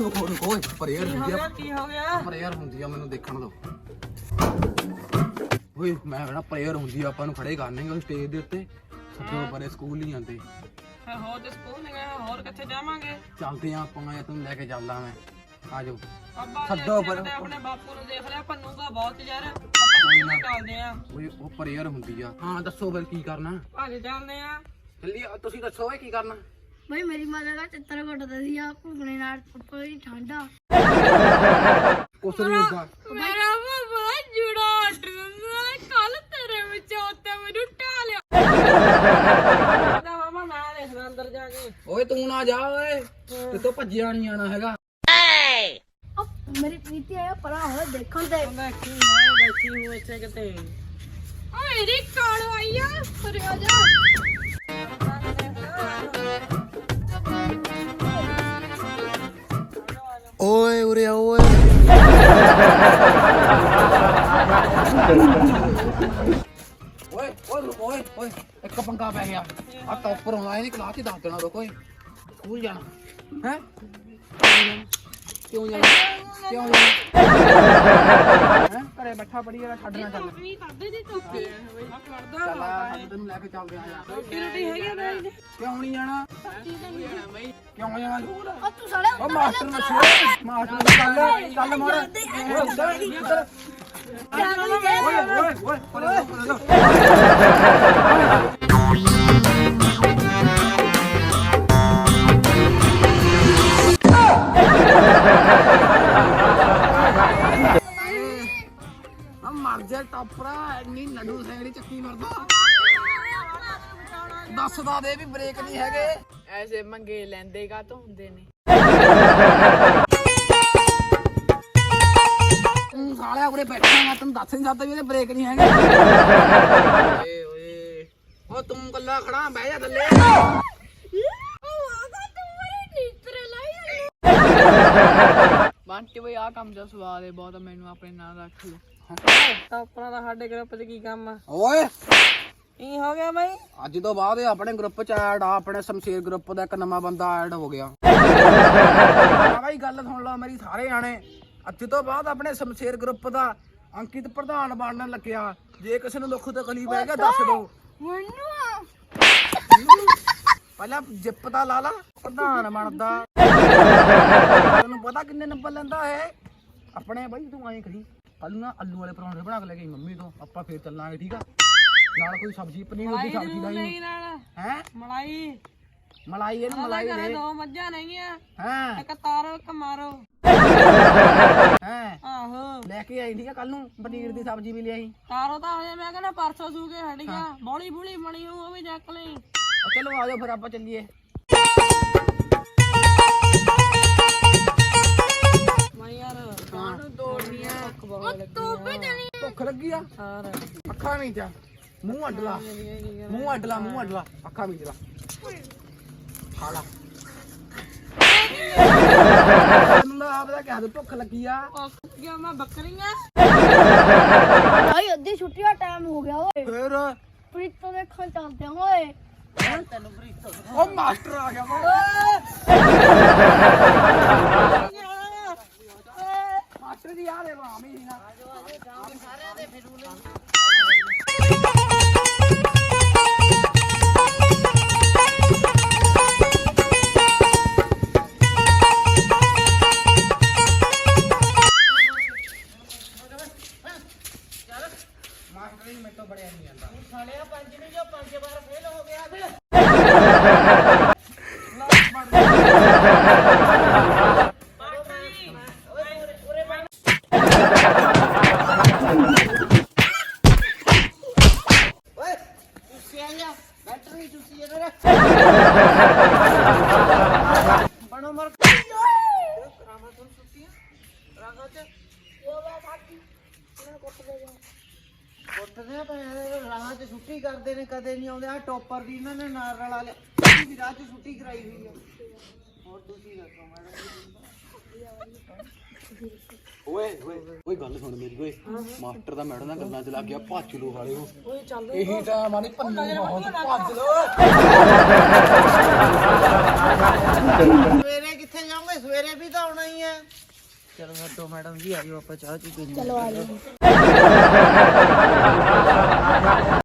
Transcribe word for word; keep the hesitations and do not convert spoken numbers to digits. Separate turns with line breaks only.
ਰੁਕੋ ਰੁਕੋ ਓਏ ਪ੍ਰੇਅਰ ਹੁੰਦੀ ਆ
ਕੀ ਹੋ ਗਿਆ
ਪ੍ਰੇਅਰ ਹੁੰਦੀ ਆ ਮੈਨੂੰ ਦੇਖਣ ਦਿਓ ਓਏ ਮੈਂ ਕਹਿੰਦਾ ਪ੍ਰੇਅਰ ਹੁੰਦੀ ਆ ਆਪਾਂ ਨੂੰ ਖੜੇ ਕਰਨੇ ਉਹ ਸਟੇਜ ਦੇ ਉੱਤੇ ਸੱਜੋ ਪਰੇ ਸਕੂਲ ਨਹੀਂ ਜਾਂਦੇ
ਹੋਰ ਤੇ ਸਕੂਲ ਨਹੀਂ ਗਏ ਹੋਰ ਕਿੱਥੇ ਜਾਵਾਂਗੇ
ਚੱਲਦੇ ਆ ਆਪਾਂ ਮੈਂ ਤੈਨੂੰ ਲੈ ਕੇ ਚੱਲਦਾ ਮੈਂ ਆ ਜਾਓ
ਅੱਬਾ
ਛੱਡੋ ਪਰ
ਆਪਣੇ ਬਾਪੂ ਨੂੰ ਦੇਖ ਲਿਆ ਭੰਨੂਗਾ ਬਹੁਤ ਯਾਰ ਆਪਾਂ ਚੱਲਦੇ ਆ
ਓਏ ਉਹ ਪ੍ਰੇਅਰ ਹੁੰਦੀ ਆ ਹਾਂ ਦੱਸੋ ਫਿਰ ਕੀ ਕਰਨਾ
ਭਾਜੀ ਚੱਲਦੇ ਆ
ਚੱਲੀ ਤੁਸੀਂ ਦੱਸੋ ਓਏ ਕੀ ਕਰਨਾ
ਬਈ ਮੇਰੀ ਮਾਤਾ ਦਾ ਚਿੱਤਰ ਘਟਦਾ ਸੀ ਆ ਭੁਗਣੇ ਨਾਲ ਕੋਈ ਠੰਡਾ
ਕੁਛ ਨਹੀਂ ਹੁੰਦਾ
ਮੇਰਾ ਬਾਬਾ ਜੁੜਾ ਆਰਡਰ ਕੱਲ ਤੇਰੇ ਵਿੱਚ ਉੱਤੇ ਮੈਨੂੰ ਢਾਲਿਆ
ਨਾ ਮਾਮਾ ਮੈਂ ਦੇਖਦਾ ਅੰਦਰ ਜਾ ਕੇ
ਓਏ ਤੂੰ ਨਾ ਜਾ ਓਏ ਤੇ ਤੂੰ ਭੱਜਿਆ ਨਹੀਂ ਆਣਾ ਹੈਗਾ
ਮੇਰੀ ਪ੍ਰੀਤੀ ਆਇਆ ਪਰਾਂ ਹੋਇਆ ਦੇਖਣ ਤੇ
ਮੈਂ ਕੀ ਹੋਇਆ ਬੈਠੀ ਹੂੰ ਇੱਥੇ ਕਿਤੇ
ਓ ਮੇਰੀ ਕਾਲ ਆਈ ਆ ਅਰੇ ਆ ਜਾ
ਓਏ ਉਰੇ ਆ ਓਏ ਓਏ ਓਏ ਓਏ ਓਏ ਇੱਕ ਪੰਗਾ ਪੈ ਗਿਆ ਆ ਟੌਪਰ ਆਉਣਾ ਇਹਦੀ ਕਲਾਸ ਚ ਦੱਸ ਦੇਣਾ ਰੁਕੋ ਓਏ ਸਕੂਲ ਜਾਣਾ ਹੈ ਕਿਉਂ ਜਾਣਾ ਕਿਉਂ ਜਾਣਾ ਹੈ ਘਰੇ ਬੈਠਾ ਪੜੀ ਜਿਹੜਾ ਛੱਡਣਾ ਚੱਲ
ਵੀ ਕਰਦੇ ਦੀ ਤੂੰ
ਚੱਲ ਆ ਤੈਨੂੰ ਲੈ ਕੇ ਚੱਲਦੇ ਆ
ਰੋਟੀ ਰੋਟੀ ਹੈਗੀ ਆ ਬਈ
ਕਿਉਂ ਨਹੀਂ ਜਾਣਾ ਕਿਉਂ ਜਾਣਾ
ਓ ਤੂੰ ਸਾਲੇ
ਓ ਮਾਸਟਰ ਨੂੰ ਛੇੜ ਮਾਸਟਰ ਨੂੰ ਚੱਲ ਚੱਲ ਮੋੜ ਓਏ ਉੱਧਰ ਉੱਧਰ ਓਏ ਓਏ ਓਏ ਪਰੇ ਪਰੇ ਆ ਮਰ ਜਾ ਟਾਪਰਾ ਇੰਨੀ ਲੱਡੂ ਸੈਂਗੜੀ ਚੱਕੀ ਮਰਦਾ ਦੱਸਦਾ ਦੇ ਵੀ ਬ੍ਰੇਕ ਨਹੀਂ ਹੈਗੇ
ਐਸੇ ਮੰਗੇ ਲੈਂਦੇ ਕਾ ਤੋਂ ਹੁੰਦੇ ਨੇ
ਤੂੰ ਸਾਲਿਆ ਉਰੇ ਬੈਠਾ ਮੈਂ ਤੈਨੂੰ ਦੱਸ ਨਹੀਂ ਸਕਦਾ ਵੀ ਇਹਦੇ ਬ੍ਰੇਕ ਨਹੀਂ ਹੈਗੇ ਓਏ ਓਏ ਓ ਤੂੰ ਕੱਲਾ ਖੜਾ ਬਹਿ ਜਾ ਥੱਲੇ
ਬੰਟੀ ਬਈ ਆ ਕੰਮ ਦਾ ਸਵਾਦ ਹੈ ਬਹੁਤ ਮੈਨੂੰ ਆਪਣੇ ਨਾਲ ਰੱਖ ਲਓ ਟਾਪਰਾਂ ਦਾ ਸਾਡੇ ਗਰੁੱਪ 'ਚ ਕੀ ਕੰਮ ਆ
ਓਏ
ਕੀ ਹੋ ਗਿਆ ਬਈ
ਅੱਜ ਤੋਂ ਬਾਅਦ ਇਹ ਆਪਣੇ ਗਰੁੱਪ ਚ ਐਡ ਆ ਆਪਣੇ ਸ਼ਮਸ਼ੇਰ ਗਰੁੱਪ ਦਾ ਇੱਕ ਨਵਾਂ ਬੰਦਾ ਐਡ ਹੋ ਗਿਆ ਆ ਬਾਈ ਗੱਲ ਸੁਣ ਲਓ ਮੇਰੀ ਸਾਰੇ ਜਾਣੇ ਅੱਜ ਤੋਂ ਬਾਅਦ ਆਪਣੇ ਸ਼ਮਸ਼ੇਰ ਗਰੁੱਪ ਦਾ ਅੰਕਿਤ ਪ੍ਰਧਾਨ ਬਣਨ ਲੱਗਿਆ ਜੇ ਕਿਸੇ ਨੂੰ ਦੁੱਖ ਤਕਲੀਫ ਹੈਗਾ ਦੱਸ ਦਿਓ ਪਹਿਲਾਂ ਜਿੱਪ ਦਾ ਲਾ ਲਾ ਪ੍ਰਧਾਨ ਬਣਦਾ ਤੈਨੂੰ ਪਤਾ ਕਿੰਨੇ ਨੰਬਰ ਲੈਂਦਾ ਹੈ ਆਪਣੇ ਬਾਈ ਤੂੰ ਐਂ ਕਰੀ ਕੱਲ ਨਾ ਆਲੂ ਵਾਲੇ ਪਰੌਂਠੇ ਬਣਾ ਕੇ ਲੈ ਗਈ ਮੰਮੀ ਤੋਂ ਆਪਾਂ ਫੇਰ ਚੱਲਾਂਗੇ ਠੀਕ ਆ ਨਾਲ ਕੋਈ ਸਬਜ਼ੀ ਪਨੀਰ ਦੀ ਸਬਜ਼ੀ ਲਾਈ ਹੈ
ਮਲਾਈ
ਮਲਾਈ ਇਹਨੂੰ ਮਲਾਈ ਦੇ
ਦੋ ਮੱਝਾਂ ਨਹੀਂਆਂ
ਹਾਂ
ਇੱਕ ਤਾਰੋ ਇੱਕ ਮਾਰੋ
ਹੈ
ਆਹੋ
ਲੈ ਕੇ ਆਈ ਠੀਕ ਆ ਕੱਲ ਨੂੰ ਪਨੀਰ ਦੀ ਸਬਜ਼ੀ ਵੀ ਲਿਆਈ
ਤਾਰੋ ਤਾਂ ਹਜੇ ਮੈਂ ਕਹਿੰਦਾ ਪਰਸੋਂ ਸੂ ਕੇ ਹਟ ਗਿਆ ਬੋਲੀ ਬੁਲੀ ਬਣੀ ਉਹ ਵੀ ਚੱਕ ਲਈ
ਚਲੋ ਆ ਜਾਓ ਫਿਰ ਆਪਾਂ ਚੱਲੀਏ
ਮੈਂ ਯਾਰ ਕਾਹਨੂੰ ਤੋੜਨੀਆਂ
ਭੁੱਖ ਲੱਗੀ ਆ
ਸਾਰ
ਅੱਖਾਂ ਵਿੱਚ ਆ ਮੂੰਹ ਅੱਡ ਲਾ ਮੂੰਹ ਅੱਡ ਲਾ ਮੂੰਹ ਅੱਡ ਲਾ ਅੱਖਾਂ ਵਿੱਚ ਲਾ ਖਾ ਲਾ ਤੈਨੂੰ ਤਾਂ ਆਪ ਦਾ ਕਹਿ ਦੋ ਭੁੱਖ ਲੱਗੀ ਆ
ਗਿਆ ਮੈਂ ਬੱਕਰੀਆਂ
ਭਾਈ ਅੱਧੀ ਛੁੱਟੀ ਦਾ ਟਾਈਮ ਹੋ ਗਿਆ ਓਏ
ਫੇਰ
ਪ੍ਰੀਤੋ ਦੇਖਣ ਚੱਲਦੇ ਆ ਓਏ
ਤੈਨੂੰ ਬਰੀਤੋ
ਉਹ ਮਾਸਟਰ ਆ ਗਿਆ ਮਾਸਟਰ ਦੀ ਯਾਰ ਇਹ ਰਾਮੀ ਨਾ
ਸਾਰਿਆਂ ਦੇ ਫਿਰੂਲੇ
ਮਾਸਟਰ ਹੀ ਮੈਨੂੰ ਬੜਿਆ ਨਹੀਂ ਆਂਦਾ
ਸਾਲਿਆ ਪੰਜ ਨੂੰ ਜੋ ਪੰਜ ਵਾਰ ਫੇਲ ਹੋ ਗਿਆ ਤੇ ਬੈਟਰੀ ਚੁੱਸੀ ਇਹਦੇ ਬਣੋ ਮਰ ਰਾਮਾ ਤੋਂ ਸੁੱਤੀਆਂ ਰਾਗਾ ਤੇ ਉਹ ਵਾ ਸਾਡੀ ਇਹਨਾਂ ਕੋਟ ਦੇ ਉੱਠਦੇ ਆ ਤਾਂ ਰਾਹ 'ਚ ਛੁੱਟੀ ਕਰਦੇ ਨੇ ਕਦੇ ਨਹੀਂ ਆਉਂਦੇ ਆ ਟੋਪਰ ਦੀ ਇਹਨਾਂ ਨੇ ਨਾਲ ਰਲਾ ਲਿਆ ਵੀ ਰਾਹ 'ਚ ਛੁੱਟੀ ਕਰਾਈ ਹੋਈ ਆ ਹੋਰ ਤੁਸੀਂ ਦੱਸੋ ਮੈਡਮ
ਓਏ ਓਏ ਓਏ ਗੱਲ ਸੁਣ ਮੇਰੀ ਓਏ ਮਾਸਟਰ ਦਾ ਮੈਡਮ ਨਾਲ ਗੱਲਾਂ ਚ ਲੱਗ ਗਿਆ ਭੱਜ ਲੋ ਵਾਲੇ ਉਹ
ਓਏ ਚੱਲ
ਇਹੀ ਤਾਂ ਮਾਨੀ ਪੰਨੂ ਬਹੁਤ ਭੱਜ ਲੋ
ਸਵੇਰੇ ਕਿੱਥੇ ਜਾਓਗੇ ਸਵੇਰੇ ਵੀ ਤਾਂ ਆਉਣਾ ਹੀ ਹੈ। ਚਲੋ ਹਟੋ ਮੈਡਮ ਜੀ, ਆਇਓ ਆਪਾਂ ਚਾਹ ਚੂ ਪੀਣੀ।
ਚਲੋ ਆ ਜਾਓ।